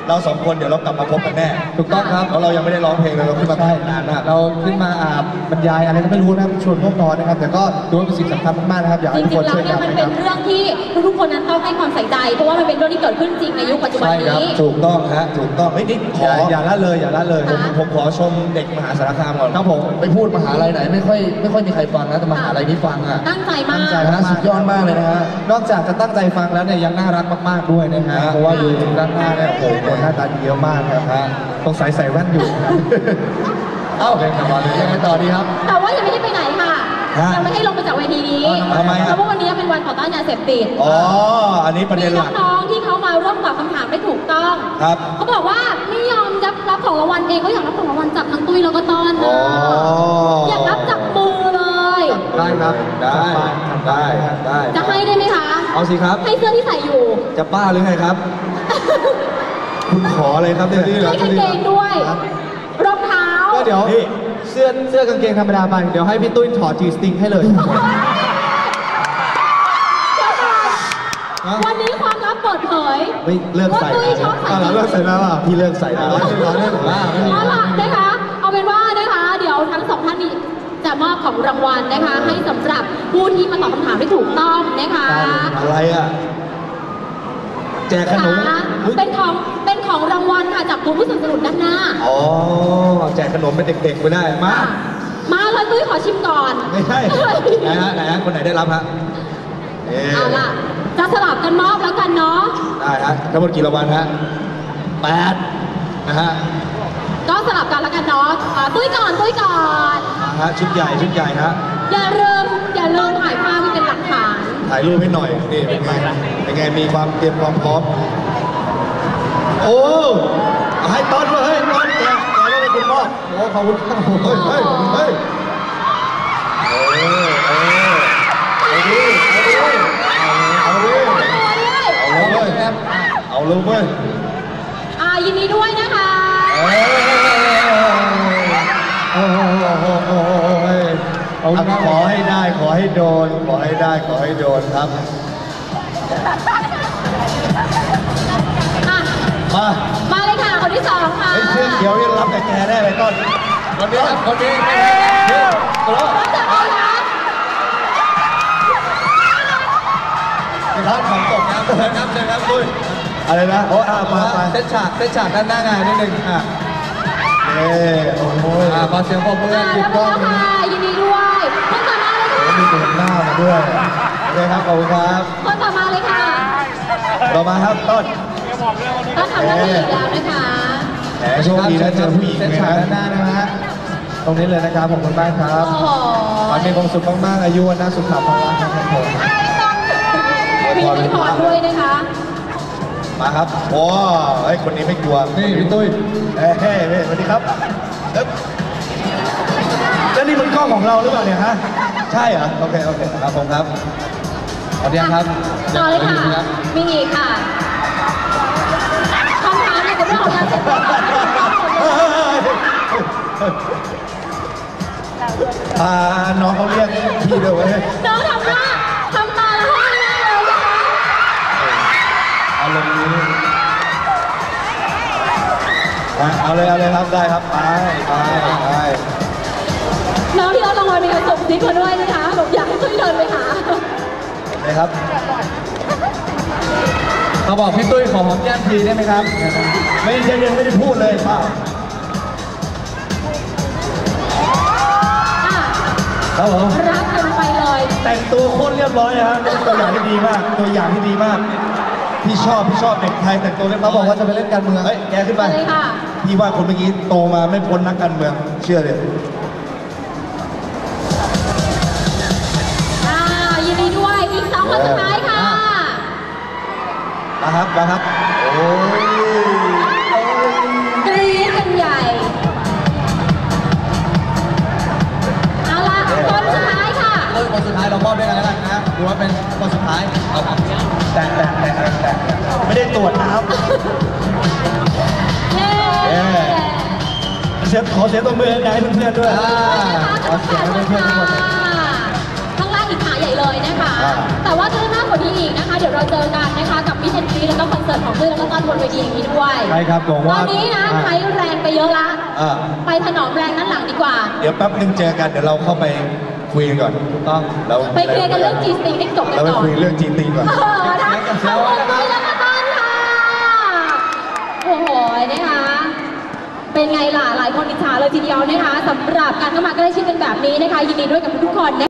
เรา2 คนเดี๋ยวเรากลับมาพบกันแน่ถูกต้องครับเพราะเรายังไม่ได้ร้องเพลงเลยเราขึ้นมาได้นานมากเราขึ้นมาบรรยายอะไรก็ไม่รู้นะชวนพวกนอนนะครับแต่ก็ดูว่าเป็นสิ่งสำคัญมากๆนะครับอยากให้ทุกคนช่วยกันมันเป็นเรื่องที่ทุกคนนั้นต้องให้ความใส่ใจเพราะว่ามันเป็นเรื่องที่เกิดขึ้นจริงในยุคปัจจุบันนี้ถูกต้องฮะถูกต้องนี่ขออย่าละเลยผมขอชมเด็กมหาสารคามก่อนครับผมไปพูดมหาลัยไหนไม่ค่อยมีใครฟังนะแต่มหาลัยนี้ฟังอ่ะตั้งใจมากสุดยอดมากเลยนะฮะนอกจากจะตั้งใจฟังแล้วเนี่ยยังน่ารักมากๆด้วยนะฮะเพราะว่าดูด้านหน้าเนี่ยโอ้โหคนหน้าตาดีเยอะมากครับต้องใส่แว่นอยู่เอ้าเป็นต่อเลยยังไงต่อดีครับแต่ว่ายังไม่ได้ไปไหนค่ะยังไม่ให้ลงไปจากเวทีนี้ทำไมเพราะว่าวันนี้เป็นวันต่อต้านยาเสพติดอันนี้ประเด็นหลักน้องที่เขามาร่วมตอบคำถามไม่ถูกต้องครับเขาบอกว่าไม่ยอมรับของรางวัลเองเขาอยากรับของรางวัลจากทั้งตุ้ยแล้วก็ต้อนอยากรับจากมือเลยได้ครับได้จะให้ได้ไหมคะเอาสิครับให้เสื้อที่ใส่อยู่จะบ้าหรือไงครับคุณขอเลยครับเนี่ยให้กางเกงด้วยรองเท้าก็เดี๋ยวเสื้อกางเกงธรรมดาไปเดี๋ยวให้พี่ตุ้ยถอดจีสติงให้เลยวันนี้ความลับเปิดเผยไม่เลิกใส่แล้วเลิกใส่แล้วพี่เลิกใส่แล้วนะคะเอาเป็นว่านะคะเดี๋ยวทั้ง2 ท่านนี้จะมอบของรางวัลนะคะให้สำหรับผู้ที่มาตอบคำถามได้ถูกต้องนะคะอะไรอ่ะแจกขนมเป็นของรางวัลค่ะจากผู้สนับสนุนด้านหน้าแจกขนมเป็นเด็กๆไปได้มาเลยตุ้ยขอชิมก่อนไม่ใช่ไหนฮะคนไหนได้รับฮะเอาล่ะจะสลับกันมอบแล้วกันเนาะได้ฮะทั้งหมดกี่รางวัลฮะ8นะฮะก็สลับกันแล้วกันเนาะตุ้ยก่อนฮะชุดใหญ่ฮะอย่าลืมถ่ายภาพเป็นหลักฐานถ่ายรูปให้หน่อยนี่เป็นไงมีความเตรียมความพร้อมโอ้ให้ต้อนด้วยต้อนแกแล้วเป็นคุณพ่อโอ้ขอบคุณครับเฮ้ยเอาเลยเว้ยยินดีด้วยนะคะขอให้ได้ขอให้โดนครับมาเลยค่ะคนที่2ค่ะเสื้อเขียวนี่รับแต่แกได้เลยต้นคนนี้ครับคนนี้รับจากใครคะร้านของตกนะเชิญครับด้วยอะไรนะมาเซตฉากด้านหน้างานนิดนึงโอ้ยขอเสียงปรบมือถูกต้องค่ะยินดีด้วยคนต่อมาเลยค่ะมีตัวหน้ามาด้วยโอเคครับขอบคุณครับคนต่อมาเลยค่ะต่อมาครับต้นทำหน้าที่อีกแล้วนะคะโชคดีนะเจอผู้หญิงฉากด้านหน้านะฮะตรงนี้เลยนะครับผมคุณบ้านครับขอมีความสุขมากๆอายุวันน่าสุขภาพครับผมมีให้พอด้วยนะคะมาครับโอ้ยคนนี้ไม่กลัวนี่พี่ตุ้ยสวัสดีครับแล้วนี่มันกล้องของเราหรือเปล่าเนี่ยฮะใช่เหรอโอเคครับผมครับขอเรียนครับต่อเลยค่ะมีอีกค่ะคำถามในเรื่องของยาเสพติดน้องเขาเรียกพี่ด้วยเว้ยน้องทำตาแล้วให้หน้าเลยนะคะเอาลงนี้เอาเลยครับได้ครับไปน้องที่เราลงมามีการส่งซิกมาด้วยนะคะผมอยากให้ช่วยเดินไปหาเลยครับเขาบอกพี่ตุ้ยขอหอมแก้มทีได้ไหมครับไม่ได้พูดเลยป้าครับผมรับกันไปเลยแต่งตัวโคตรเรียบร้อยนะฮะตัวอย่างที่ดีมากพี่ชอบเด็กไทยแต่งตัวเรียบร้อยเขาบอกว่าจะไปเล่นการเมืองแกขึ้นไปพี่ว่าคนเมื่อกี้โตมาไม่พ้นนักการเมืองเชื่อเลยยินดีด้วยอีก2 คนสุดท้ายค่ะมาครับโอ้ยกรี๊ดกันใหญ่เอาล่ะคนสุดท้ายค่ะคนสุดท้ายเรามอบด้วยกันแล้วกันนะดูว่าเป็นคนสุดท้ายแต่ไม่ได้ตรวจนะครับขอเสียตัวมือให้เพื่อนๆด้วยขอเสียงให้เพื่อนๆทุกคนข้างล่างอีกขาใหญ่เลยนะคะแต่ว่าเธอหน้าว่านี้อีกนะคะ เดี๋ยวเราเจอกันนะคะกับมิชชั่นซีแล้วก็คอนเสิร์ตของเพื่อนแล้วก็ต้อนบนเวทีอย่างนี้ด้วยใช่ครับบอกตว่าอนนี้นะใช้แรงไปเยอะละอ่าไปถนอมแรงด้านหลังดีกว่าเดี๋ยวแป๊บนึงเจอกันเดี๋ยวเราเข้าไปคุยกันก่อนถูกต้องเราไปเคลียร์กันเรื่อง G-String ให้จบกันเราไปก่อนคุยเรื่องจีตีก่อนนะเอาคนไปแล้วก็ต้อนค่ะ โอ้โหนะคะ เป็นไงล่ะ หลายคนอิจฉาเลยทีเดียวนะคะสำหรับการเข้ามาใกล้ชิดกันแบบนี้นะคะ ยินดีด้วยกับทุกๆคนนะคะ